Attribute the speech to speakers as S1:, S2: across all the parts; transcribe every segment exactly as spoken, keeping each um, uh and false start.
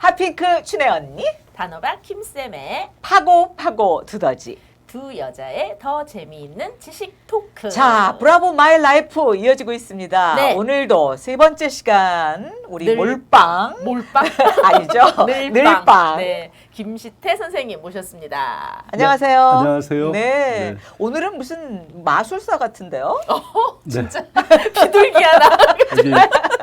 S1: 핫핑크 춘혜 언니,
S2: 단호박 김쌤의
S1: 파고 파고 두더지.
S2: 두 여자의 더 재미있는 지식 토크.
S1: 자, 브라보 마이 라이프 이어지고 있습니다.
S2: 네.
S1: 오늘도 세 번째 시간 우리
S2: 늘-
S1: 몰빵
S2: 몰빵
S1: 아니죠?
S2: 늘빵.
S1: 늘빵.
S2: 네, 김시태 선생님 모셨습니다.
S1: 안녕하세요.
S3: 안녕하세요.
S1: 네.
S3: 네.
S1: 오늘은 무슨 마술사 같은데요?
S2: 진짜 비둘기 하나.
S3: 여기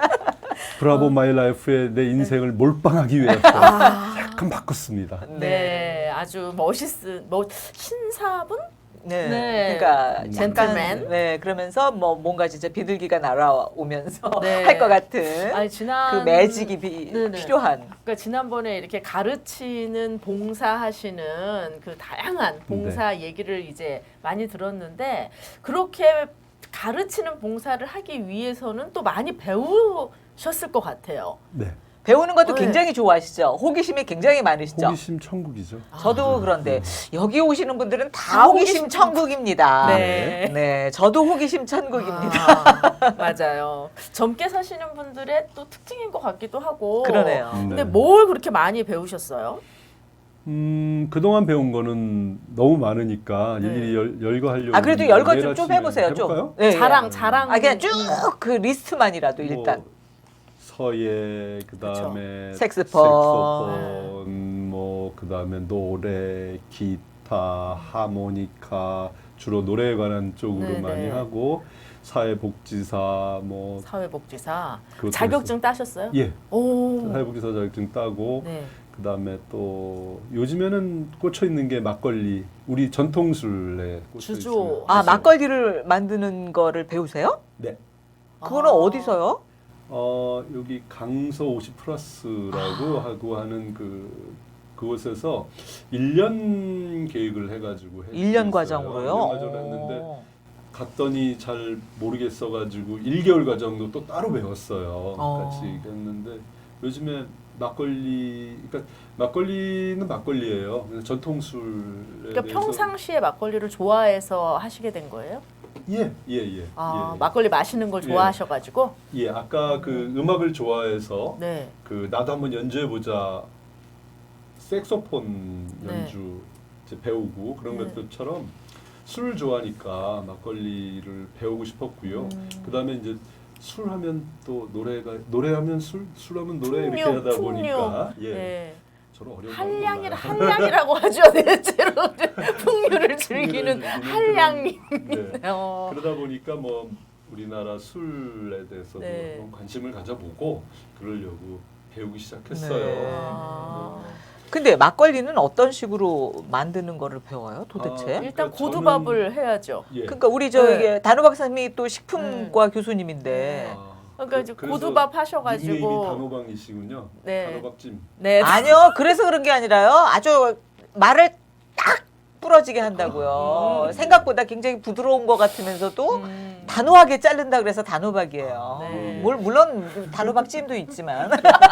S3: 브라보 마이 라이프의 내 인생을 몰빵하기 위해서 약간 바꿨습니다.
S2: 네, 아주 멋있은 뭐 신사분?
S1: 네.
S2: 네.
S1: 그러니까
S2: 젠틀맨.
S1: 잠깐, 네. 그러면서 뭐 뭔가 진짜 비둘기가 날아오면서
S2: 네.
S1: 할 것 같은
S2: 아니 지난
S1: 그 매직이 비,
S2: 네네.
S1: 필요한.
S2: 그러니까 지난번에 이렇게 가르치는 봉사하시는 그 다양한 봉사 얘기를 이제 많이 들었는데 그렇게 가르치는 봉사를 하기 위해서는 또 많이 배우셨을 것 같아요.
S3: 네.
S1: 배우는 것도
S2: 네.
S1: 굉장히 좋아하시죠. 호기심이 굉장히 많으시죠.
S3: 호기심 천국이죠.
S1: 저도 그런데 여기 오시는 분들은 다
S2: 다
S1: 호기심
S2: 호기심
S1: 천국입니다.
S2: 네.
S1: 네, 저도 호기심 천국입니다.
S2: 아, 맞아요. 젊게 사시는 분들의 또 특징인 것 같기도 하고.
S1: 그러네요.
S3: 네.
S2: 근데 뭘 그렇게 많이 배우셨어요?
S3: 음, 그동안 배운 거는 너무 많으니까
S2: 네.
S3: 일일이 열, 열거하려고.
S1: 아 그래도 열거 좀, 좀 해보세요. 좀.
S3: 해볼까요?
S1: 네,
S2: 자랑,
S1: 예.
S2: 자랑.
S1: 아 그냥 쭉 그 리스트만이라도
S3: 뭐,
S1: 일단.
S3: 서예, 그다음에
S1: 색소폰.
S3: 색소폰, 뭐 그다음에 노래, 기타, 하모니카, 주로 노래에 관한 쪽으로
S2: 네네.
S3: 많이 하고 사회복지사 뭐
S2: 사회복지사.
S3: 그것도
S2: 자격증 따셨어요?
S3: 예,
S2: 오.
S3: 사회복지사 자격증 따고
S2: 네.
S3: 그다음에 또 요즘에는 꽂혀 있는 게 막걸리, 우리 전통술에 꽂혀
S2: 주조.
S3: 있어요.
S1: 아 막걸리를 만드는 거를 배우세요?
S3: 네.
S1: 그거는
S2: 아.
S1: 어디서요?
S3: 어 여기 강서 오십 플러스라고 하고 하는 그 그곳에서 일 년 계획을 해가지고 했어요.
S1: 일 년 과정으로요?
S3: 일 년 과정을 했는데
S1: 오.
S3: 갔더니 잘 모르겠어가지고 일 개월 과정도 또 따로 배웠어요.
S1: 어.
S3: 같이 했는데 요즘에 막걸리, 그러니까 막걸리는 막걸리예요. 그냥 전통술에
S2: 그러니까
S3: 대해서
S2: 평상시에 막걸리를 좋아해서 하시게 된 거예요?
S3: 예, 예, 예.
S2: 아,
S3: 예.
S2: 막걸리 마시는 걸
S3: 예.
S2: 좋아하셔가지고?
S3: 예, 아까 그 음악을 좋아해서
S2: 네.
S3: 그 나도 한번 연주해 보자. 색소폰
S2: 네.
S3: 연주 이제 배우고 그런
S2: 네.
S3: 것들처럼 술을 좋아하니까 막걸리를 배우고 싶었고요.
S2: 음.
S3: 그다음에 이제 술 하면 또 노래가 노래하면 술, 술하면 노래 이렇게
S2: 풍류,
S3: 하다
S2: 풍류.
S3: 보니까 예.
S2: 네.
S3: 저는 어려운
S2: 한량이라
S3: 걸 몰라요.
S2: 한량이라고 하죠. 대체로 풍류를 즐기는
S3: 즐기는
S2: 한량님.
S3: 그런, 네.
S2: 어.
S3: 그러다 보니까 뭐 우리나라 술에 대해서도
S2: 네.
S3: 한번 관심을 가져보고 그러려고 배우기 시작했어요.
S1: 네.
S2: 아.
S1: 근데 막걸리는 어떤 식으로 만드는 거를 배워요, 도대체?
S3: 아,
S2: 일단
S3: 그러니까
S2: 고두밥을 해야죠.
S3: 예.
S1: 그러니까 우리 저
S2: 네.
S1: 이게 단호 박사님이 또 식품과 교수님인데
S3: 아,
S2: 그러니까 이제
S3: 그래서
S2: 고두밥
S3: 닉네임이
S2: 하셔가지고
S3: 단호박이시군요.
S2: 네.
S3: 단호박찜.
S2: 네.
S1: 아니요, 그래서 그런 게 아니라요. 아주 말을 딱 부러지게 한다고요.
S2: 음.
S1: 생각보다 굉장히 부드러운 것 같으면서도
S2: 음.
S1: 단호하게 자른다 그래서 단호박이에요.
S2: 네.
S1: 물, 물론 단호박찜도 있지만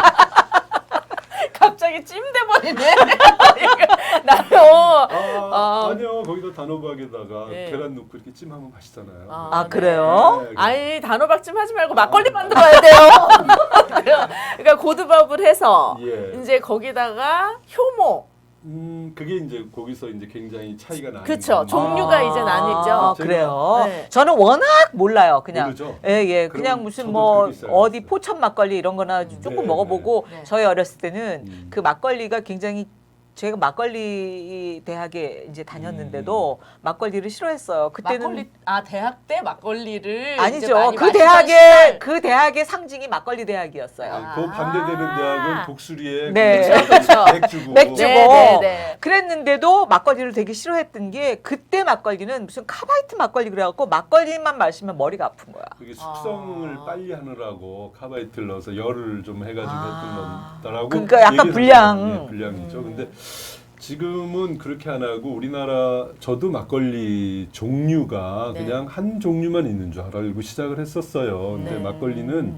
S2: 갑자기 찜돼 버리네. 나요.
S3: 아,
S2: 아.
S3: 아니요. 거기다 단호박에다가
S2: 네.
S3: 계란 넣고 이렇게 찜하면 맛있잖아요.
S1: 아, 그래요?
S3: 네.
S2: 아니 단호박찜 하지 말고 막걸리 만들어야 돼요. 그러니까 고두밥을 해서
S3: 예.
S2: 이제 거기다가 효모.
S3: 음, 그게 이제 거기서 이제 굉장히 차이가 나는.
S2: 그쵸.
S3: 건데.
S2: 종류가 이제 나뉘죠.
S1: 아, 그래요.
S2: 네.
S1: 저는 워낙 몰라요. 그냥
S3: 모르죠?
S1: 예, 예.
S3: 그럼
S1: 그냥 무슨
S3: 저도
S1: 뭐
S3: 그렇게 시작했어요.
S1: 어디 포천 막걸리 이런 거나 조금
S3: 네,
S1: 먹어보고
S2: 네.
S1: 저희 어렸을 때는
S3: 음.
S1: 그 막걸리가 굉장히 제가 막걸리 대학에 이제 다녔는데도 막걸리를 싫어했어요. 그때는
S2: 막걸리 아 대학 때 막걸리를 이제
S1: 아니죠.
S2: 많이
S1: 그
S2: 마시던
S1: 대학의
S2: 시절.
S1: 그 대학의 상징이 막걸리 대학이었어요.
S3: 아, 그 반대되는
S2: 아.
S3: 대학은 독수리에
S1: 네.
S3: 그
S2: 그쵸, 그쵸.
S3: 맥주고.
S1: 맥주고.
S2: 네, 네, 네.
S1: 그랬는데도 막걸리를 되게 싫어했던 게 그때 막걸리는 무슨 카바이트 막걸리 그래갖고 막걸리만 마시면 머리가 아픈 거야.
S3: 그게 숙성을
S2: 아.
S3: 빨리 하느라고 카바이트를 넣어서 열을 좀 해가지고
S1: 아.
S3: 했던 거더라고.
S1: 그러니까 약간
S3: 얘기를
S1: 불량.
S3: 하더라고요. 예, 불량이죠.
S2: 음.
S3: 근데 지금은 그렇게 안 하고 우리나라 저도 막걸리 종류가
S2: 네.
S3: 그냥 한 종류만 있는 줄 알고 시작을 했었어요. 근데
S2: 네.
S3: 막걸리는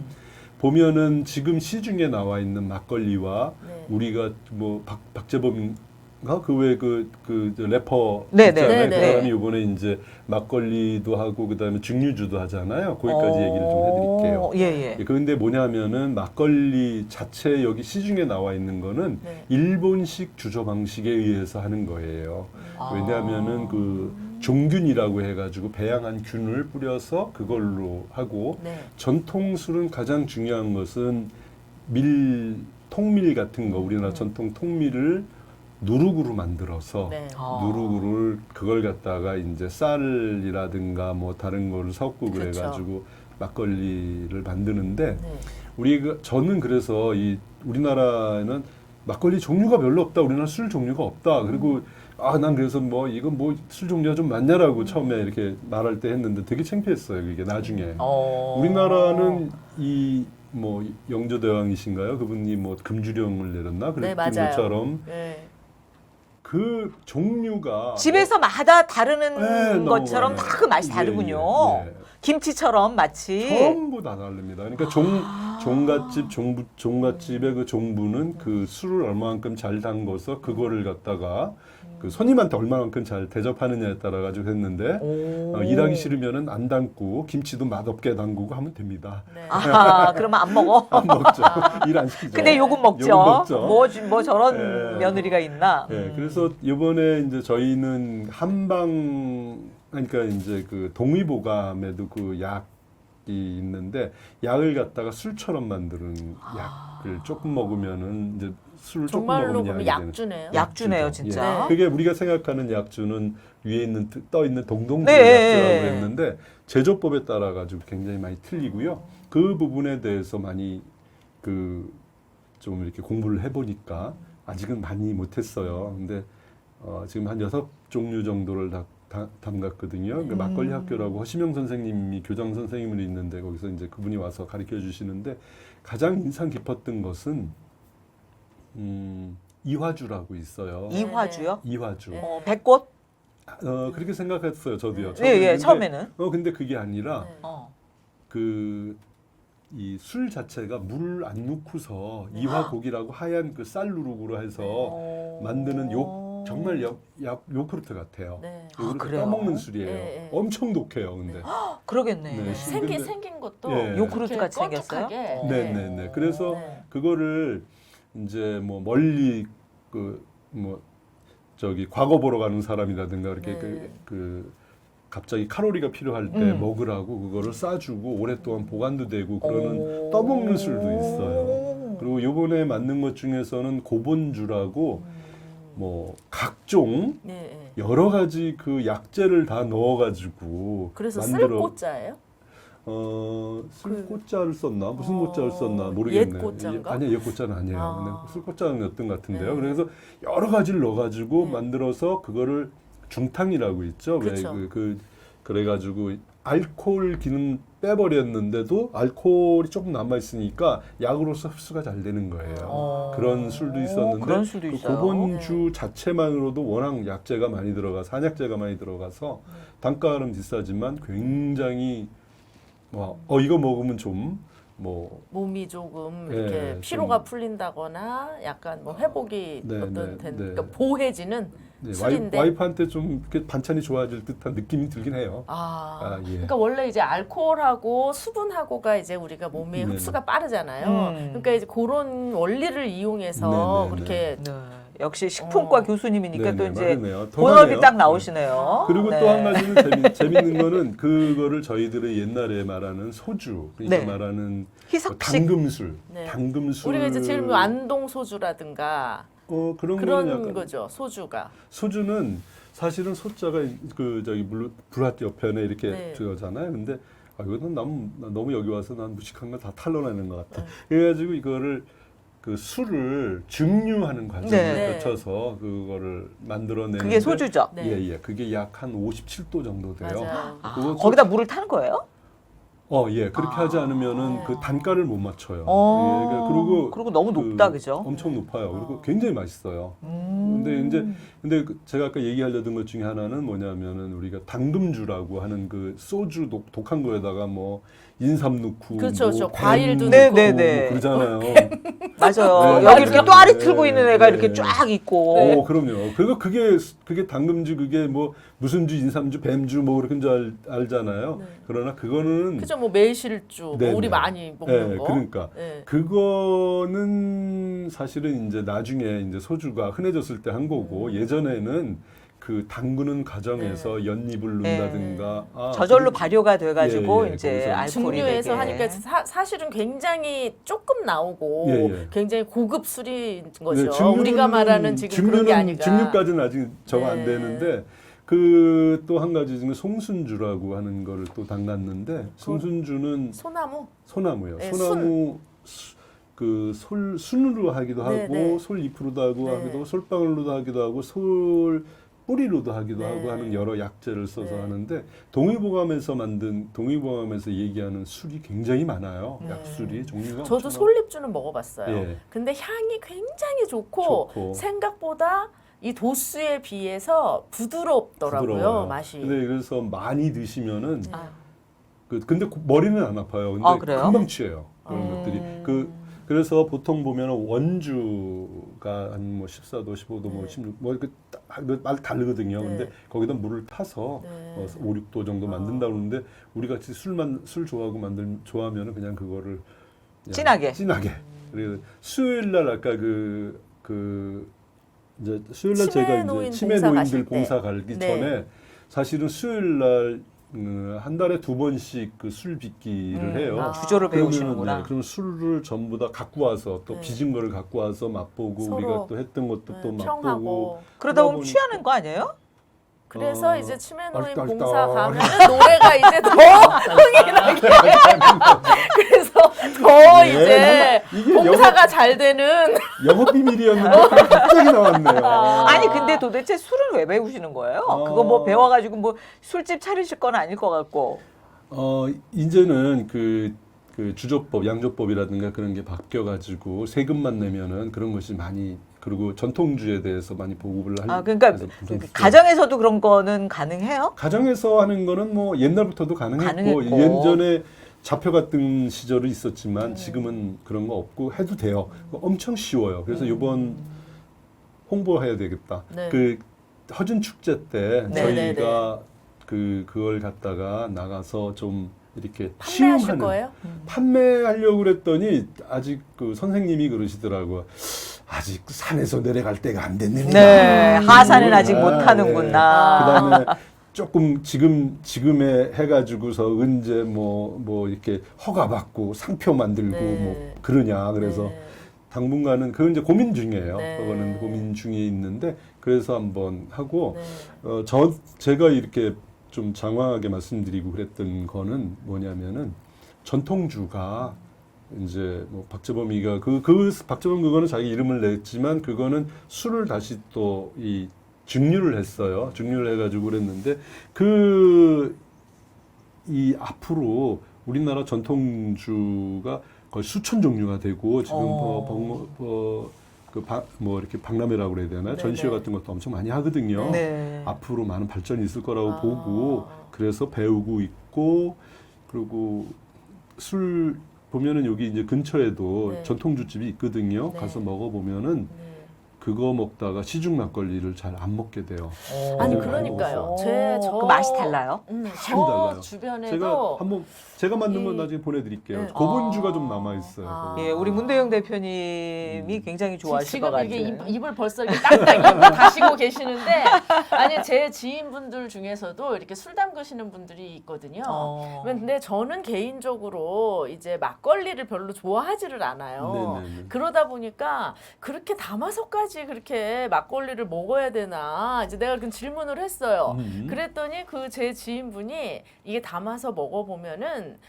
S3: 보면은 지금 시중에 나와 있는 막걸리와
S2: 네.
S3: 우리가 뭐 박, 박재범 그왜그 그 래퍼
S1: 네,
S3: 있잖아요.
S2: 네,
S3: 그
S2: 네.
S3: 사람이 이번에 이제 막걸리도 하고 그다음에 증류주도 하잖아요. 거기까지 얘기를 좀 해드릴게요.
S1: 어, 예, 예.
S3: 그런데 뭐냐면은 막걸리 자체 여기 시중에 나와 있는 거는
S2: 네.
S3: 일본식 주조 방식에 의해서 하는 거예요.
S1: 아.
S3: 왜냐하면은 그 종균이라고 해가지고 배양한 균을 뿌려서 그걸로 하고
S2: 네.
S3: 전통 술은 가장 중요한 것은 밀 통밀 같은 거 우리나라
S2: 음.
S3: 전통 통밀을 누룩으로 만들어서
S2: 네.
S1: 아.
S3: 누룩을 그걸 갖다가 이제 쌀이라든가 뭐 다른 거를 섞고
S2: 그렇죠.
S3: 그래가지고 막걸리를 만드는데
S2: 네.
S3: 우리가 저는 그래서 이 우리나라에는 막걸리 종류가 별로 없다. 우리나라 술 종류가 없다. 그리고 아 난 그래서 뭐 이건 뭐 술 종류가 좀 많냐라고 처음에 이렇게 말할 때 했는데 되게 창피했어요. 이게 나중에
S1: 어.
S3: 우리나라는 이 뭐 영조대왕이신가요? 그분이 뭐 금주령을 내렸나?
S2: 네,
S3: 그랬던
S2: 맞아요.
S3: 것처럼
S2: 네.
S3: 그 종류가
S1: 집에서마다 다르는
S3: 네,
S1: 것처럼
S3: 너무
S1: 다 그 맛이
S3: 예,
S1: 다르군요.
S3: 예, 예.
S1: 김치처럼 마치.
S3: 전부 다 다릅니다. 그러니까 종
S1: 아.
S3: 종갓집 종부 종갓집의 그 종부는 그 술을 얼마만큼 잘 담궈서 그거를 갖다가 그 손님한테 얼마만큼 잘 대접하느냐에 따라 가지고 했는데
S1: 오.
S3: 어, 일하기 싫으면은 안 담고 김치도 맛없게 담그고 하면 됩니다.
S2: 네.
S1: 아, 그러면 안 먹어.
S3: 안 먹죠. 일 안 시키죠.
S1: 근데 요금 먹죠.
S3: 요금 먹죠.
S1: 뭐, 주- 뭐 저런
S3: 예.
S1: 며느리가 있나?
S3: 예,
S1: 음.
S3: 그래서 이번에 이제 저희는 한방 그러니까 이제 그 동의보감에도 그 약이 있는데 약을 갖다가 술처럼 만드는 약을 조금 먹으면은 이제 술을 조금
S2: 정말로
S3: 먹으면
S2: 그러면
S3: 약이 되는.
S2: 약주네요.
S1: 약주네요,
S3: 약주죠.
S1: 진짜.
S2: 네.
S3: 그게 우리가 생각하는 약주는 위에 있는 떠 있는 동동주
S1: 네.
S3: 약주라고 했는데 제조법에 따라 가지고 굉장히 많이 틀리고요. 그 부분에 대해서 많이 그 좀 이렇게 공부를 해보니까 아직은 많이 못했어요. 근데 어, 지금 한 여섯 종류 정도를 다, 다 담갔거든요. 그러니까
S1: 음.
S3: 막걸리 학교라고 허시명 선생님이 교장 선생님으로 있는데 거기서 이제 그분이 와서 가르쳐 주시는데 가장 인상 깊었던 것은 음, 이화주라고 있어요.
S1: 이화주요?
S3: 이화주.
S2: 네.
S1: 어, 백꽃?
S3: 어, 그렇게 생각했어요. 저도요.
S1: 예, 예,
S3: 근데,
S1: 처음에는.
S3: 어, 근데 그게 아니라
S2: 네.
S1: 어.
S3: 그 이 술 자체가 물을 안 넣고서 이화곡이라고 하얀 그 쌀 누룩으로 해서
S1: 어.
S3: 만드는 요 정말 요, 요, 요크루트 같아요.
S2: 네.
S3: 요크루트
S1: 아, 그래요?
S3: 떠먹는 술이에요.
S2: 네, 네.
S3: 엄청 독해요, 근데.
S1: 그러겠네.
S3: 네,
S2: 생긴
S3: 근데-
S2: 생긴 것도
S3: 예.
S1: 요크루트
S2: 이렇게
S1: 같이 생겼어요?
S2: 껄쭉하게.
S1: 어.
S3: 네, 네, 네. 그래서
S2: 네.
S3: 그거를 이제 뭐 멀리 그 뭐 저기 과거 보러 가는 사람이라든가 이렇게
S2: 네.
S3: 그, 그 갑자기 칼로리가 필요할 때
S1: 음.
S3: 먹으라고 그거를 싸주고 오랫동안 보관도 되고 그러는
S1: 오.
S3: 떠먹는 술도 있어요. 그리고 요번에 만든 것 중에서는 고본주라고 뭐 각종
S2: 네, 네.
S3: 여러 가지 그 약재를 다 넣어가지고
S2: 그래서
S3: 만들어
S2: 쓸꽃자예요?
S3: 어
S2: 그-
S3: 술꽃자를 썼나 무슨
S2: 어,
S3: 꽃자를 썼나 모르겠네요.
S2: 옛 꽃자인가?
S3: 아니요, 옛 꽃자는 아니에요.
S2: 아.
S3: 근데 술꽃자였던 것 같은데요.
S2: 네.
S3: 그래서 여러 가지를 넣어가지고
S2: 네.
S3: 만들어서 그거를 중탕이라고 있죠.
S2: 그렇죠.
S3: 왜 그 그 그래가지고 알코올 기능 빼버렸는데도 알코올이 조금 남아 있으니까 약으로서 흡수가 잘 되는 거예요.
S1: 어.
S3: 그런 술도 있었는데
S1: 그런 술도
S3: 그
S1: 있어요.
S3: 고본주 자체만으로도 워낙 약재가 많이 들어가서 한약재가 많이 들어가서 단가는 비싸지만 굉장히 뭐, 어 이거 먹으면 좀 뭐
S2: 몸이 조금
S3: 예,
S2: 이렇게
S3: 좀-
S2: 피로가 풀린다거나 약간 뭐 회복이
S3: 네,
S2: 어떤
S3: 네,
S2: 된,
S3: 네.
S2: 그러니까 보해지는
S3: 네, 와이,
S2: 술인데.
S3: 와이프한테 좀 이렇게 반찬이 좋아질 듯한 느낌이 들긴 해요.
S2: 아,
S3: 아, 예.
S2: 그러니까 원래 이제 알코올하고 수분하고가 이제 우리가 몸에
S3: 네네.
S2: 흡수가 빠르잖아요.
S1: 음.
S2: 그러니까 이제 그런 원리를 이용해서
S3: 네네네.
S2: 그렇게
S1: 네. 역시 식품과
S2: 어.
S1: 교수님이니까 또
S3: 네네,
S1: 이제
S3: 맞네요.
S1: 본업이
S3: 통하네요.
S1: 딱 나오시네요.
S3: 그리고
S1: 네.
S3: 또 한 가지는 재미, 재밌는 거는 그거를 저희들의 옛날에 말하는 소주, 그러니까
S1: 네.
S3: 말하는
S1: 희석식.
S3: 당금술,
S2: 네.
S3: 당금술.
S2: 우리가 이제 제일 안동 소주라든가
S3: 어, 그런 거는
S2: 그런
S3: 약간
S2: 거죠. 소주가.
S3: 소주는 사실은 소자가 그 저기 물 불핫 옆편에 이렇게
S2: 네.
S3: 들어가잖아요. 근데 아, 이거는 너무 너무 여기 와서 난 무식한 거 다 탈러내는 것 같아.
S2: 네.
S3: 그래가지고 이거를 그 술을 증류하는 과정을
S1: 네.
S3: 거쳐서 그거를 만들어내는.
S1: 그게 소주죠.
S2: 네.
S3: 예예. 그게 약 한 오십칠 도 정도 돼요.
S2: 맞아요.
S1: 아,
S3: 그거
S1: 거기다 물을 타는 거예요?
S3: 어, 예. 그렇게
S1: 아.
S3: 하지 않으면은
S2: 네.
S3: 그 단가를 못 맞춰요.
S1: 어.
S3: 예, 그러니까 그리고
S1: 그리고 너무
S3: 그
S1: 높다, 그죠?
S3: 엄청 높아요. 그리고
S2: 어.
S3: 굉장히 맛있어요.
S1: 음.
S3: 근데 이제 근데 그 제가 아까 얘기하려던 것 중에 하나는 뭐냐면은 우리가 당금주라고 하는 그 소주 독, 독한 거에다가 뭐 인삼 넣고
S2: 그렇죠,
S3: 뭐
S2: 그렇죠.
S3: 뱀
S2: 과일도
S3: 넣고
S1: 네, 네, 네.
S3: 뭐 그러잖아요.
S1: 맞아요.
S3: 네,
S1: 여기
S3: 네,
S1: 이렇게
S3: 네,
S1: 또아리
S3: 네,
S1: 틀고 있는
S3: 네,
S1: 애가
S3: 네.
S1: 이렇게 쫙 있고.
S3: 어, 그럼요. 그리고 그게 그게 당금주 그게 뭐 무슨 주 인삼주 뱀주 뭐 그런 줄 알, 알잖아요.
S2: 네.
S3: 그러나 그거는
S2: 그죠, 뭐 매실주, 뭐
S3: 네,
S2: 우리
S3: 네.
S2: 많이 먹는
S3: 네,
S2: 거.
S3: 그러니까
S2: 네.
S3: 그거는 사실은 이제 나중에 이제 소주가 흔해졌을 때 한 거고
S2: 음.
S3: 예전에는 그 담그는 과정에서 연잎을
S1: 네.
S3: 넣는다든가 아,
S1: 저절로
S3: 그리고-
S1: 발효가 돼가지고
S3: 예, 예,
S1: 이제
S3: 거기서
S1: 알코올이
S2: 증류해서
S1: 되게.
S2: 하니까 사, 사실은 굉장히 조금 나오고
S3: 예, 예.
S2: 굉장히 고급 술인 거죠.
S3: 네, 증류는-
S2: 우리가 말하는 지금 그런 게
S3: 증류는-
S2: 아니라.
S3: 증류까지는 아직 정 안
S2: 네.
S3: 되는데 그 또 한 가지 중에 송순주라고 하는 거를 또 담갔는데 송순주는
S2: 소나무.
S3: 소나무요.
S2: 네,
S3: 소나무 수- 그 솔 순으로 하기도
S2: 네,
S3: 하고
S2: 네.
S3: 솔잎으로도 하고
S2: 네.
S3: 하기도 하고 솔방울로도 하기도 하고 솔 뿌리로도 하기도
S2: 네.
S3: 하고 하는 여러 약재를 써서
S2: 네.
S3: 하는데 동의보감에서 만든 동의보감에서 얘기하는 술이 굉장히 많아요.
S2: 네.
S3: 약술이 종류가
S2: 저도
S3: 엄청
S2: 솔잎주는 먹어봤어요.
S3: 예.
S2: 근데 향이 굉장히 좋고,
S3: 좋고.
S2: 생각보다 이 도수에 비해서 부드럽더라고요.
S3: 부드러워요.
S2: 맛이.
S3: 근데 그래서 많이 드시면은
S2: 네.
S1: 아.
S3: 그 근데 고- 머리는 안 아파요. 근데
S1: 아, 그래요?
S3: 금방 취해요. 그런
S2: 음.
S3: 것들이 그 그래서 보통 보면 원주가 한 뭐 십사 도, 십오 도, 뭐
S2: 네.
S3: 십육 뭐말 다르거든요.
S2: 네.
S3: 근데 거기다 물을 타서
S2: 네.
S3: 어, 오, 육 도 정도
S2: 아.
S3: 만든다 그러는데 우리 같이 술만 술 좋아하고 만들 좋아하면은 그냥 그거를 그냥
S1: 진하게.
S3: 진하게. 그리고 수요일 날 아까 그 그 이제 수요일 날
S2: 치매
S3: 제가
S2: 노인
S3: 이제 치매
S2: 봉사
S3: 노인들
S2: 가실 때.
S3: 봉사 가기
S2: 네.
S3: 전에 사실은 수요일 날 음, 한 달에 두 번씩 그 술 빚기를
S1: 음,
S3: 해요.
S1: 아, 주조를
S3: 그러면은,
S1: 배우시는구나.
S3: 네, 그럼 술을 전부 다 갖고 와서 또
S2: 네.
S3: 빚은 거를 갖고 와서 맛보고
S2: 서로,
S3: 우리가 또 했던 것도
S2: 네,
S3: 또 맛보고
S2: 평하고.
S1: 그러다 보면
S3: 보니까-
S1: 취하는 거 아니에요?
S2: 그래서
S3: 어,
S2: 이제 치매노인
S3: 얼떨떨.
S2: 봉사 가면은 노래가 이제 더 흥이 나게. 그래서 더
S3: 네,
S2: 이제
S3: 이게
S2: 봉사가 잘 되는.
S3: 영업 비밀이었는데 갑자기 나왔네요.
S1: 아니 근데 도대체 술을 왜 배우시는 거예요?
S3: 어.
S1: 그거 뭐 배워가지고 뭐 술집 차리실 건 아닐 것 같고.
S3: 어 이제는 그, 그 주조법, 양조법이라든가 그런 게 바뀌어가지고 세금만 내면은 그런 것이 많이 그리고 전통주에 대해서 많이 보급을 할.
S1: 아 그러니까
S3: 해서 좀
S1: 가정에서도 그런 거는 가능해요?
S3: 가정에서 하는 거는 뭐 옛날부터도 가능했고,
S1: 가능했고.
S3: 예전에 잡혀 갔던 시절이 있었지만
S1: 음.
S3: 지금은 그런 거 없고 해도 돼요. 엄청 쉬워요. 그래서
S1: 음.
S3: 이번 홍보해야 되겠다.
S2: 네.
S3: 그 허준 축제 때
S1: 네,
S3: 저희가 그 그걸 갖다가 나가서 좀 이렇게
S2: 판매하실
S3: 시음하는
S2: 거예요?
S3: 판매하려고 그랬더니 아직 그 선생님이 그러시더라고요. 아직 산에서 내려갈 때가 안 됐는데.
S1: 네, 하산은 아직
S3: 아,
S1: 못 하는구나.
S3: 그다음에 조금 지금 지금에 해가지고서 언제 뭐 뭐 이렇게 허가 받고 상표 만들고
S2: 네.
S3: 뭐 그러냐 그래서
S2: 네.
S3: 당분간은 그건 이제 고민 중이에요.
S2: 네.
S3: 그거는 고민 중에 있는데 그래서 한번 하고
S2: 네.
S3: 어, 저 제가 이렇게 좀 장황하게 말씀드리고 그랬던 거는 뭐냐면은 전통주가 이제 뭐 박재범이가 그 그 박재범 그거는 자기 이름을 냈지만 그거는 술을 다시 또 이 증류를 했어요. 증류를 해가지고 그랬는데 그 이 앞으로 우리나라 전통주가 거의 수천 종류가 되고 지금
S1: 어.
S3: 뭐뭐그뭐 이렇게 박람회라고 그래야 되나
S2: 네네.
S3: 전시회 같은 것도 엄청 많이 하거든요.
S1: 네.
S3: 앞으로 많은 발전이 있을 거라고
S2: 아.
S3: 보고 그래서 배우고 있고 그리고 술 보면은 여기 이제 근처에도
S2: 네.
S3: 전통주집이 있거든요.
S2: 네.
S3: 가서 먹어보면은
S2: 네.
S3: 그거 먹다가 시중 막걸리를 잘 안 먹게 돼요.
S2: 아니
S3: 네,
S2: 그러니까요.
S1: 오,
S2: 제 저
S1: 그 맛이 달라요?
S2: 음,
S3: 많이
S2: 저
S3: 달라요.
S2: 주변에도
S3: 제가 한번 제가 만든 건
S2: 이-
S3: 나중에 보내드릴게요.
S2: 네.
S3: 고분주가
S2: 아.
S3: 좀 남아 있어요.
S2: 아.
S1: 예, 우리 문대영 대표님이 굉장히 좋아하실 것
S2: 지금 이게
S1: 같아요.
S2: 입, 입을 벌써 이렇게 딱딱 입을 다시고 계시는데 아니 제 지인분들 중에서도 이렇게 술 담그시는 분들이 있거든요.
S1: 어.
S2: 근데 저는 개인적으로 이제 막걸리를 별로 좋아하지를 않아요.
S3: 네네네.
S2: 그러다 보니까 그렇게 담아서까지 그렇게 막걸리를 먹어야 되나 이제 내가 그 질문을 했어요.
S3: 음.
S2: 그랬더니 그 제 지인분이 이게 담아서 먹어보면은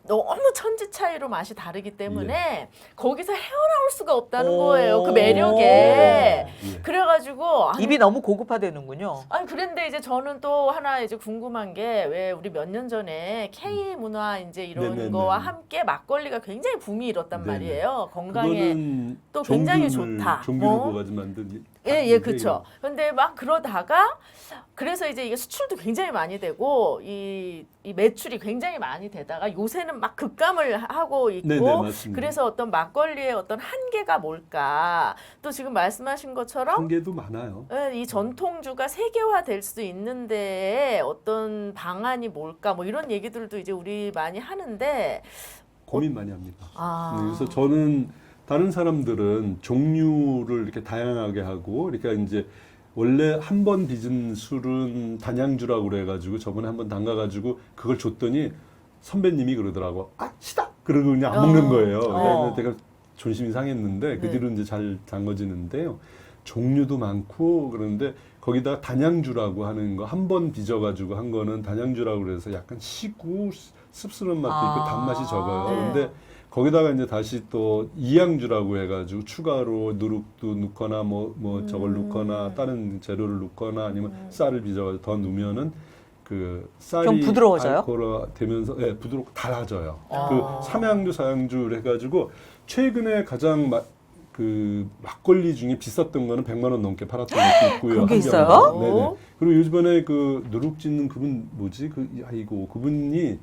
S2: 너무 천지 차이로 맛이 다르기 때문에 거기서 헤어나올 수가 없다는 거예요. 그 매력에.
S3: 예.
S2: 그래가지고 아니,
S1: 입이 너무 고급화되는군요.
S2: 아니 그런데 이제 저는 또 하나 이제 궁금한 게 왜 우리 몇 년 전에 K 문화 이제 이런
S3: 네네네.
S2: 거와 함께 막걸리가 굉장히 붐이 일었단
S3: 네네.
S2: 말이에요. 건강에
S3: 그거는
S2: 또 굉장히
S3: 종균을-
S2: 좋다.
S3: 종균을
S2: 어?
S3: 부어가지고 만든
S2: 예, 예, 그렇죠. 근데 막 그러다가 그래서 이제 이게 수출도 굉장히 많이 되고 이, 이 매출이 굉장히 많이 되다가 요새는 막 급감을 하고 있고
S3: 네네, 맞습니다.
S2: 그래서 어떤 막걸리의 어떤 한계가 뭘까? 또 지금 말씀하신 것처럼
S3: 한계도 많아요.
S2: 예, 이 전통주가 세계화될 수 있는데 어떤 방안이 뭘까? 뭐 이런 얘기들도 이제 우리 많이 하는데
S3: 고민 많이 합니다.
S2: 아.
S3: 네, 그래서 저는 다른 사람들은 종류를 이렇게 다양하게 하고, 그러니까 이제 원래 한 번 빚은 술은 단양주라고 그래가지고 저번에 한 번 담가가지고 그걸 줬더니 선배님이 그러더라고. 아, 시다! 그러고 그냥 안
S2: 어.
S3: 먹는 거예요.
S1: 어.
S3: 그래서 내가 존심이 상했는데 그
S2: 네.
S3: 뒤로 이제 잘 담궈지는데요. 종류도 많고 그런데 거기다 단양주라고 하는 거 한 번 빚어가지고 한 거는 단양주라고 그래서 약간 시고 씁쓸한 맛도 있고
S1: 아.
S3: 단맛이 적어요.
S2: 네.
S3: 근데 거기다가 이제 다시 또 이양주라고 해가지고 추가로 누룩도 넣거나 뭐, 뭐 저걸
S2: 음.
S3: 넣거나 다른 재료를 넣거나 아니면 쌀을 빚어가지고 더 넣으면은 그 쌀이
S1: 좀 부드러워져요?
S3: 알코올화 되면서 예, 부드럽고 달아져요.
S2: 아.
S3: 그 삼양주, 사양주 해가지고 최근에 가장 마, 그 막걸리 중에 비쌌던 거는 백만 원 넘게 팔았던 것도 있고요.
S1: 그런 게
S3: 한
S1: 있어요?
S3: 병에. 네네.
S2: 오.
S3: 그리고 요즘에 그 누룩 짓는 그분 뭐지? 그 아이고 그분이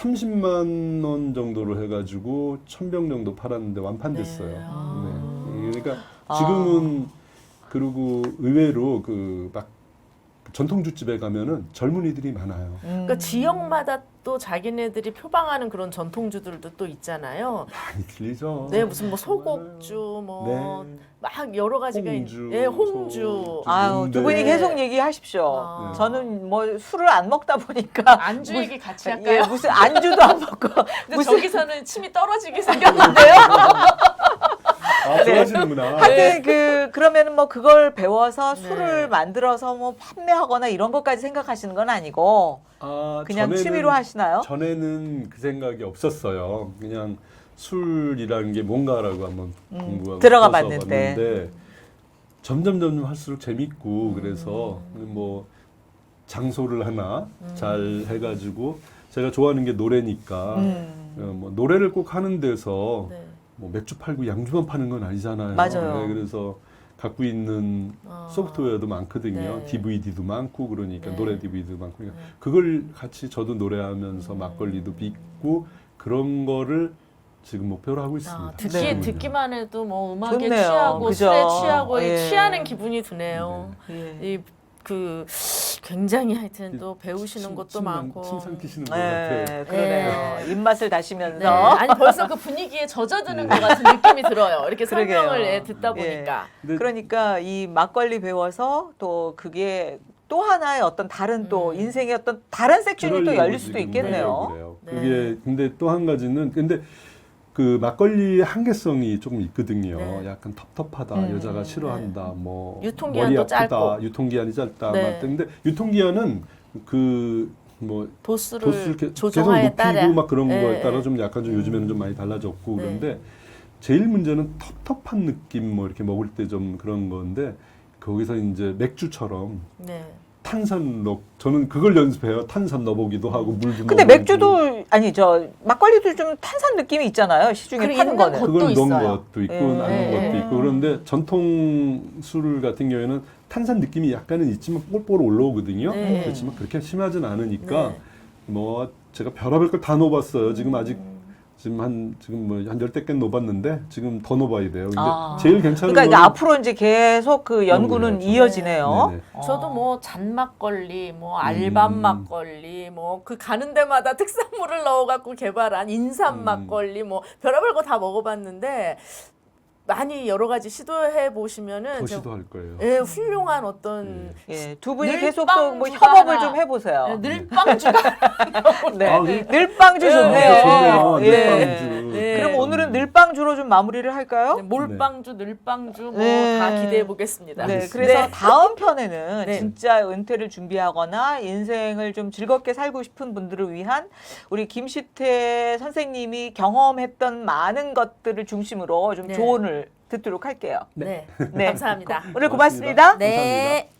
S3: 삼십만 원 정도로 해가지고 천 병 정도 팔았는데 완판됐어요.
S2: 네.
S3: 네.
S2: 아.
S3: 그러니까
S1: 아.
S3: 지금은 그리고 의외로 그 막 전통주집에 가면은 젊은이들이 많아요.
S1: 음.
S2: 그러니까 지역마다 또 자기네들이 표방하는 그런 전통주들도 또 있잖아요.
S3: 많이 틀리죠.
S2: 네, 무슨 뭐 소곡주 뭐
S3: 네.
S2: 막 여러 가지가 있-
S3: 홍주,
S2: 예, 홍주.
S3: 소-
S1: 아유, 두
S3: 네.
S1: 분이 계속 얘기하십시오.
S2: 아.
S1: 저는 뭐 술을 안 먹다 보니까
S2: 안주 얘기 같이
S1: 예,
S2: 할까요?
S1: 무슨 안주도 안 먹고
S2: 근데
S1: 무슨
S2: 저기서는 침이 떨어지게 생겼는데요.
S3: 아, 좋아하시는구나.
S1: 하여튼 그 그러면은 뭐 그걸 배워서
S2: 네.
S1: 술을 만들어서 뭐 판매하거나 이런 것까지 생각하시는 건 아니고
S3: 아,
S1: 그냥
S3: 전에는-
S1: 취미로 하시나요?
S3: 전에는 그 생각이 없었어요. 그냥 술이라는 게 뭔가라고 한번
S1: 음,
S3: 공부하고
S1: 들어가
S3: 써서
S1: 봤는데.
S3: 봤는데 점점 점점 할수록 재밌고
S1: 음.
S3: 그래서 뭐 장소를 하나
S2: 음.
S3: 잘 해가지고 제가 좋아하는 게 노래니까
S1: 음.
S3: 어, 뭐 노래를 꼭 하는 데서
S2: 네.
S3: 뭐 맥주 팔고 양주만 파는 건 아니잖아요.
S1: 맞아요.
S3: 네, 그래서 갖고 있는
S2: 아.
S3: 소프트웨어도 많거든요.
S2: 네.
S3: 디브이디도 많고 그러니까
S2: 네.
S3: 노래 디브이디도 많고 그러니까
S2: 네.
S3: 그걸 같이 저도 노래하면서
S2: 음.
S3: 막걸리도 빚고 그런 거를 지금 목표로 하고 있습니다.
S2: 아, 듣기
S1: 네.
S2: 듣기만 해도 뭐 음악에
S1: 좋네요.
S2: 취하고
S1: 그죠?
S2: 술에 취하고
S1: 예.
S2: 취하는 기분이 드네요.
S1: 예.
S2: 이 그 굉장히 하여튼 또 배우시는
S3: 침-
S2: 것도
S3: 침상-
S2: 많고.
S3: 침상 트시는 것
S1: 네,
S3: 같아요.
S1: 그러네요.
S2: 네.
S1: 입맛을 다시면서
S2: 네. 아니 벌써 그 분위기에 젖어드는
S3: 네.
S2: 것 같은 느낌이 들어요. 이렇게
S1: 그러게요.
S2: 설명을 예, 듣다
S1: 예.
S2: 보니까.
S3: 근데
S1: 그러니까 이 막걸리 배워서 또 그게 또 하나의 어떤 다른 또
S2: 음.
S1: 인생의 어떤 다른 섹션이 또
S3: 그러려고
S1: 열릴 수도
S3: 지금
S1: 있겠네요.
S3: 그래요.
S2: 네.
S3: 그게 근데 또 한 가지는 근데 그 막걸리의 한계성이 조금 있거든요.
S2: 네.
S3: 약간 텁텁하다,
S1: 음.
S3: 여자가 싫어한다, 뭐
S2: 유통기한도
S3: 머리 아프다,
S2: 짧고.
S3: 유통기한이 짧다.
S2: 네.
S3: 막 근데 유통기한은 그 뭐
S2: 도수를,
S3: 도수를 게- 계속
S2: 조정하에
S3: 높이고
S2: 따라
S3: 막 그런
S2: 네.
S3: 거에 따라 좀 약간 좀 요즘에는 좀 많이 달라졌고
S2: 네.
S3: 그런데 제일 문제는 텁텁한 느낌 뭐 이렇게 먹을 때 좀 그런 건데 거기서 이제 맥주처럼
S2: 네.
S3: 탄산 넣 저는 그걸 연습해요. 탄산 넣어보기도 하고 물도
S1: 근데
S3: 넣어보고.
S1: 맥주도 아니 저 막걸리도 좀 탄산 느낌이 있잖아요. 시중에
S2: 그래,
S1: 파는
S2: 있는
S1: 거는.
S2: 것-
S3: 그걸
S2: 것도
S3: 넣은
S2: 있어요.
S3: 것도 있고
S1: 예.
S3: 안 넣은
S2: 예.
S3: 것도 있고 그런데 전통 술 같은 경우에는 탄산 느낌이 약간은 있지만 뽀뽀로 올라오거든요.
S2: 네.
S3: 그렇지만 그렇게 심하진 않으니까
S2: 네.
S3: 뭐 제가 별의별 걸 다 넣어봤어요. 지금 아직
S2: 음.
S3: 지금 한 지금 뭐 한 열댓 개 넣어봤는데 지금 더 넣어봐야 돼요. 근데
S1: 아.
S3: 제일 괜찮은
S1: 그러니까 이게
S3: 건
S1: 앞으로 이제 계속 그 연구는
S3: 연구해야죠.
S1: 이어지네요.
S3: 네네.
S1: 어.
S2: 저도 뭐 잔막걸리, 뭐 알밤
S3: 음.
S2: 막걸리, 뭐 그 가는 데마다 특산물을 넣어갖고 개발한 인삼
S3: 음.
S2: 막걸리, 뭐 별의별 거 다 먹어봤는데 많이 여러 가지 시도해 보시면은
S3: 더
S2: 저-
S3: 시도할 거예요.
S2: 예, 훌륭한 어떤
S1: 예, 두 분이
S2: 늘빵
S1: 계속 또 뭐
S2: 주가
S1: 협업을
S2: 하나.
S1: 좀 해보세요.
S2: 예, 늘빵주가
S1: 네.
S3: 아, 네.
S1: 늘빵주
S2: 네.
S1: 좋네요.
S3: 좋네요.
S1: 예.
S3: 늘빵주.
S2: 네.
S1: 그럼 오늘은 늘빵주로 좀 마무리를 할까요?
S2: 네, 몰빵주, 늘빵주 뭐 다
S1: 네.
S2: 기대해 보겠습니다.
S1: 네,
S3: 알겠습니다.
S1: 그래서
S2: 네.
S1: 다음 편에는
S2: 네.
S1: 진짜 은퇴를 준비하거나 인생을 좀 즐겁게 살고 싶은 분들을 위한 우리 김시태 선생님이 경험했던 많은 것들을 중심으로 좀
S2: 네.
S1: 조언을 듣도록 할게요.
S2: 네.
S1: 네.
S2: 감사합니다.
S1: 오늘 고맙습니다.
S2: 네.
S3: 감사합니다.